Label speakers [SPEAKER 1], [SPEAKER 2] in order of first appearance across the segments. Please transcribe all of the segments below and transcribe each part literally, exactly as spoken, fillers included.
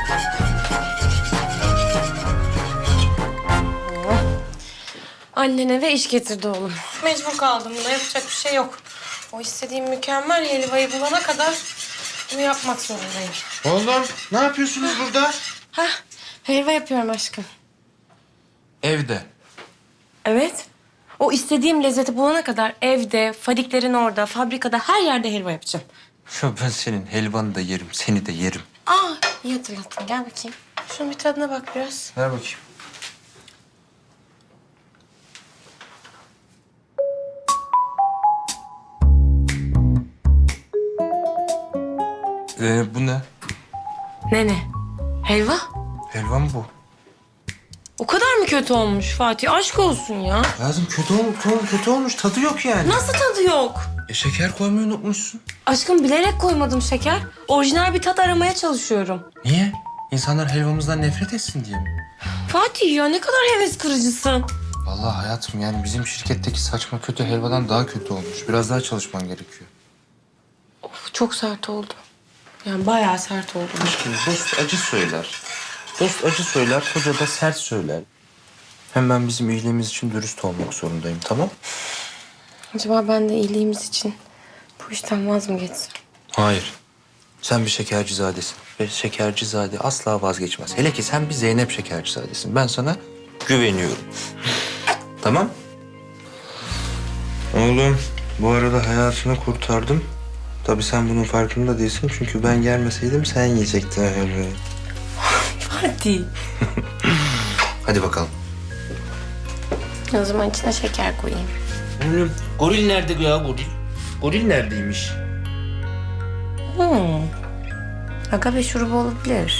[SPEAKER 1] Annen eve iş getirdi oğlum. Mecbur kaldım buna, yapacak bir şey yok. O istediğim mükemmel helvayı bulana kadar bunu yapmak zorundayım.
[SPEAKER 2] Oğlum ne yapıyorsunuz burada?
[SPEAKER 1] Hah, helva yapıyorum aşkım.
[SPEAKER 2] Evde.
[SPEAKER 1] Evet. O istediğim lezzeti bulana kadar evde, Fadiklerin orada, fabrikada her yerde helva yapacağım.
[SPEAKER 2] Ya ben senin helvanı da yerim, seni de yerim.
[SPEAKER 1] Aa, iyi hatırlattın. Gel bakayım. Şunun bir tadına bak biraz.
[SPEAKER 2] Ver bakayım. Ee, bu ne?
[SPEAKER 1] Ne ne? Helva?
[SPEAKER 2] Helva mı bu?
[SPEAKER 1] O kadar mı kötü olmuş Fatih? Aşk olsun ya.
[SPEAKER 2] Lazım kötü olmuş, kötü olmuş. Tadı yok yani.
[SPEAKER 1] Nasıl tadı yok?
[SPEAKER 2] E, şeker koymayı unutmuşsun.
[SPEAKER 1] Aşkım bilerek koymadım şeker. Orijinal bir tat aramaya çalışıyorum.
[SPEAKER 2] Niye? İnsanlar helvamızdan nefret etsin diye mi?
[SPEAKER 1] Fatih ya ne kadar heves kırıcısın.
[SPEAKER 2] Vallahi hayatım yani bizim şirketteki saçma kötü helvadan daha kötü olmuş. Biraz daha çalışman gerekiyor.
[SPEAKER 1] Of, çok sert oldu. Yani bayağı sert oldu.
[SPEAKER 2] Aşkım dost acı söyler. Dost acı söyler, koca da sert söyler. Hem ben bizim iyiliğimiz için dürüst olmak zorundayım, tamam?
[SPEAKER 1] Acaba ben de iyiliğimiz için bu işten vaz mı geçsem?
[SPEAKER 2] Hayır. Sen bir şekercizadesin. Ve şekercizade asla vazgeçmez. Hele ki sen bir Zeynep şekercizadesin. Ben sana güveniyorum. Tamam? Oğlum, bu arada hayatını kurtardım. Tabii sen bunun farkında değilsin. Çünkü ben gelmeseydim sen yiyecektin helvayı.
[SPEAKER 1] Fatih.
[SPEAKER 2] Hadi bakalım.
[SPEAKER 1] O zaman içine şeker koyayım.
[SPEAKER 3] Oğlum goril nerede ya goril? Goril neredeymiş?
[SPEAKER 1] Hmm. Agave şurubu olabilir.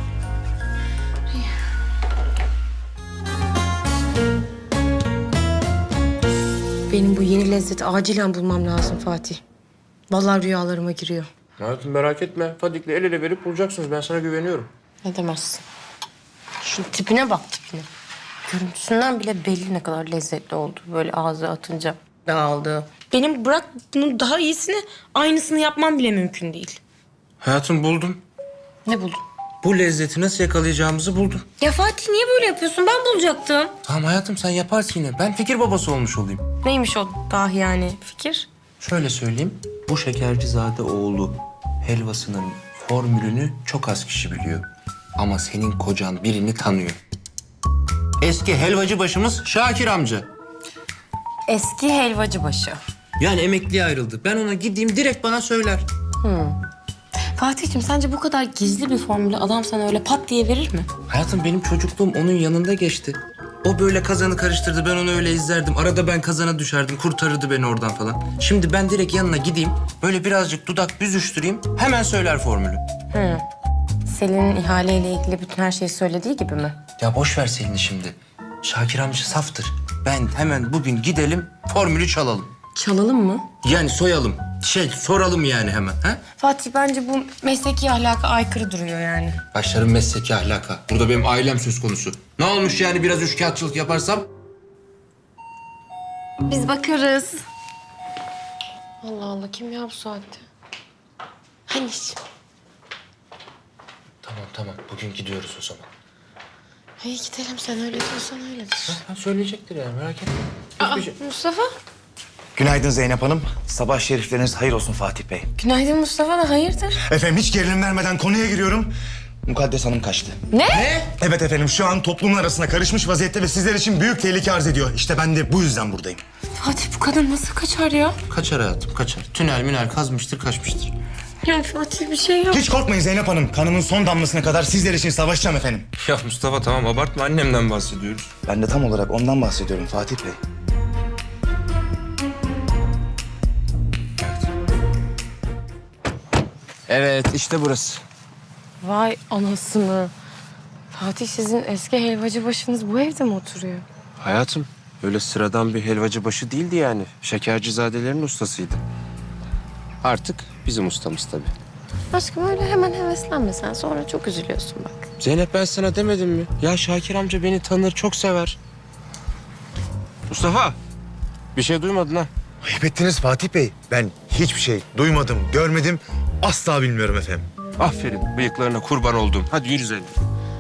[SPEAKER 1] Benim bu yeni lezzeti acilen bulmam lazım Fatih. Vallahi rüyalarıma giriyor.
[SPEAKER 2] Hayatım merak etme. Fadik'le el ele verip bulacaksınız. Ben sana güveniyorum.
[SPEAKER 1] Ne demezsin. Şu tipine bak tipine. Görüntüsünden bile belli ne kadar lezzetli oldu. Böyle ağzı atınca dağıldı. Benim bırak bunun daha iyisini, aynısını yapmam bile mümkün değil.
[SPEAKER 2] Hayatım buldum.
[SPEAKER 1] Ne buldun?
[SPEAKER 2] Bu lezzeti nasıl yakalayacağımızı buldum.
[SPEAKER 1] Ya Fatih niye böyle yapıyorsun? Ben bulacaktım.
[SPEAKER 2] Tamam hayatım sen yaparsın yine. Ben fikir babası olmuş olayım.
[SPEAKER 1] Neymiş o dahi yani fikir?
[SPEAKER 2] Şöyle söyleyeyim. Bu şekercizade oğlu helvasının formülünü çok az kişi biliyor. Ama senin kocan birini tanıyor. Eski helvacı başımız Şakir amca.
[SPEAKER 1] Eski helvacıbaşı.
[SPEAKER 2] Yani emekliye ayrıldı. Ben ona gideyim direkt bana söyler.
[SPEAKER 1] Fatih'cim sence bu kadar gizli bir formülü adam sana öyle pat diye verir mi?
[SPEAKER 2] Hayatım benim çocukluğum onun yanında geçti. O böyle kazanı karıştırdı, ben onu öyle izlerdim. Arada ben kazana düşerdim, kurtarırdı beni oradan falan. Şimdi ben direkt yanına gideyim, böyle birazcık dudak büzüştüreyim, hemen söyler formülü.
[SPEAKER 1] Hı. Selin'in ihaleyle ilgili bütün her şeyi söylediği gibi mi?
[SPEAKER 2] Ya boş ver Selin'i şimdi. Şakir amca saftır. Ben hemen bugün gidelim, formülü çalalım.
[SPEAKER 1] Çalalım mı?
[SPEAKER 2] Yani soyalım, şey soralım yani hemen. Ha?
[SPEAKER 1] Fatih bence bu mesleki ahlaka aykırı duruyor yani.
[SPEAKER 2] Başlarım mesleki ahlaka. Burada benim ailem söz konusu. Ne olmuş yani biraz üçkağıtçılık yaparsam?
[SPEAKER 1] Biz bakarız. Allah Allah kim ya bu saatte? Hani
[SPEAKER 2] Tamam tamam, bugün gidiyoruz o zaman.
[SPEAKER 1] İyi gidelim sen öyle diyorsan öyledir.
[SPEAKER 2] Ha, söyleyecektir yani merak etme.
[SPEAKER 1] Aa,
[SPEAKER 2] Hiçbir şey-
[SPEAKER 1] Mustafa.
[SPEAKER 4] Günaydın Zeynep Hanım. Sabah şerifleriniz hayır olsun Fatih Bey.
[SPEAKER 1] Günaydın Mustafa da hayırdır?
[SPEAKER 4] Efendim hiç gerilim vermeden konuya giriyorum. Mukaddes Hanım kaçtı.
[SPEAKER 1] Ne?
[SPEAKER 4] Evet efendim şu an toplumun arasına karışmış vaziyette ve sizler için büyük tehlike arz ediyor. İşte ben de bu yüzden buradayım.
[SPEAKER 1] Fatih bu kadın nasıl kaçar ya?
[SPEAKER 2] Kaçar hayatım kaçar. Tünel münel kazmıştır kaçmıştır.
[SPEAKER 1] Ya Fatih bir şey yok.
[SPEAKER 4] Hiç korkmayın Zeynep Hanım. Kanımın son damlasına kadar sizler için savaşacağım efendim.
[SPEAKER 2] Ya Mustafa tamam abartma annemden bahsediyoruz.
[SPEAKER 4] Ben de tam olarak ondan bahsediyorum Fatih Bey.
[SPEAKER 2] Evet işte burası.
[SPEAKER 1] Vay anasını. Fatih sizin eski helvacı başınız bu evde mi oturuyor?
[SPEAKER 5] Hayatım, öyle sıradan bir helvacı başı değildi yani. Şekercizadelerin ustasıydı. Artık bizim ustamız tabii.
[SPEAKER 1] Aşkım öyle hemen heveslenme sen. Sonra çok üzülüyorsun bak.
[SPEAKER 5] Zeynep ben sana demedim mi? Ya Şakir amca beni tanır, çok sever. Mustafa, bir şey duymadın ha?
[SPEAKER 4] Ayıp ettiniz Fatih Bey. Ben hiçbir şey duymadım, görmedim. Asla bilmiyorum efendim.
[SPEAKER 5] Aferin. Bıyıklarına kurban oldum. Hadi yürü Zeynep.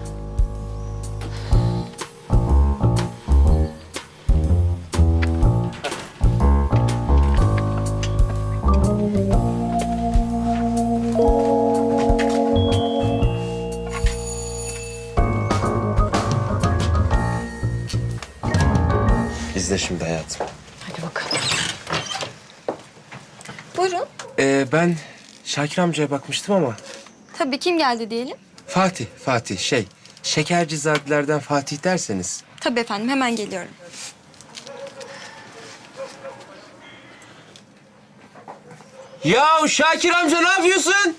[SPEAKER 5] İzle şimdi hayatım.
[SPEAKER 1] Hadi bakalım.
[SPEAKER 6] Buyurun.
[SPEAKER 5] Ee, ben Şakir amcaya bakmıştım ama...
[SPEAKER 6] Tabii kim geldi diyelim?
[SPEAKER 5] Fatih, Fatih şey... Şekercizadelerden Fatih derseniz...
[SPEAKER 6] Tabii efendim hemen geliyorum.
[SPEAKER 5] Ya Şakir amca ne yapıyorsun?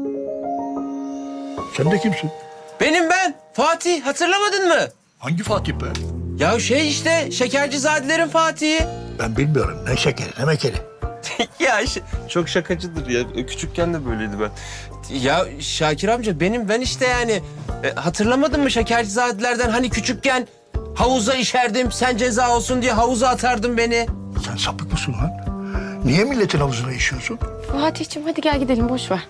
[SPEAKER 7] Sen de kimsin?
[SPEAKER 5] Benim ben. Fatih. Hatırlamadın mı?
[SPEAKER 7] Hangi Fatih be?
[SPEAKER 5] Ya şey işte Şekercizadelerin Fatih'i.
[SPEAKER 7] Ben bilmiyorum. Ne şekeri ne mekeri.
[SPEAKER 5] Ya işte, çok şakacıdır ya. Küçükken de böyleydi ben. Ya Şakir amca benim ben işte yani. E, hatırlamadın mı Şekercizadelerden hani küçükken havuza işerdim. Sen ceza olsun diye havuza atardın beni.
[SPEAKER 7] Sen sapık mısın lan? Niye milletin havuzuna işiyorsun?
[SPEAKER 1] Fatih'ciğim hadi gel gidelim boş ver.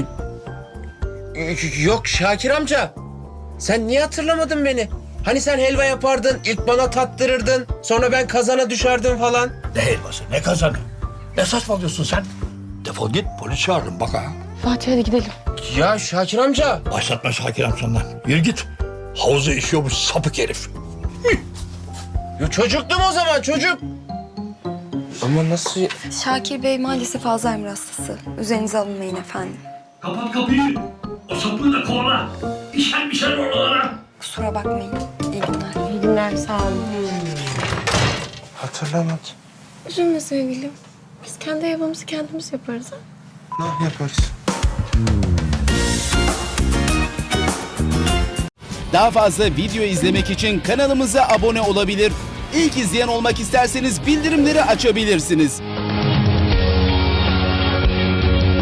[SPEAKER 5] Y- Yok Şakir amca. Sen niye hatırlamadın beni? Hani sen helva yapardın, ilk bana tattırırdın. Sonra ben kazana düşerdim falan.
[SPEAKER 7] Ne helvası ne kazanı? Ne saçmalıyorsun sen? Defol git polis çağırırım bak ha.
[SPEAKER 1] Fatih hadi gidelim.
[SPEAKER 5] Ya Şakir amca.
[SPEAKER 7] Başlatma Şakir amcandan. Yürü git. Havuza işiyormuş sapık herif.
[SPEAKER 5] Ya çocuktum o zaman çocuk. Ama nasıl?
[SPEAKER 6] Şakir Bey maalesef Alzheimer hastası. Üzerinize alınmayın efendim.
[SPEAKER 8] Kapat kapıyı. O sapığı da kovala. İşer mişer oralara.
[SPEAKER 6] Kusura bakmayın. İyi günler.
[SPEAKER 1] İyi günler sağ olun.
[SPEAKER 5] Hatırlamadım.
[SPEAKER 1] Üzülme sevgilim. Biz kendi helvamızı kendimiz yaparız ha.
[SPEAKER 5] Ne yaparız?
[SPEAKER 9] Daha fazla video izlemek için kanalımıza abone olabilir. İlk izleyen olmak isterseniz bildirimleri açabilirsiniz.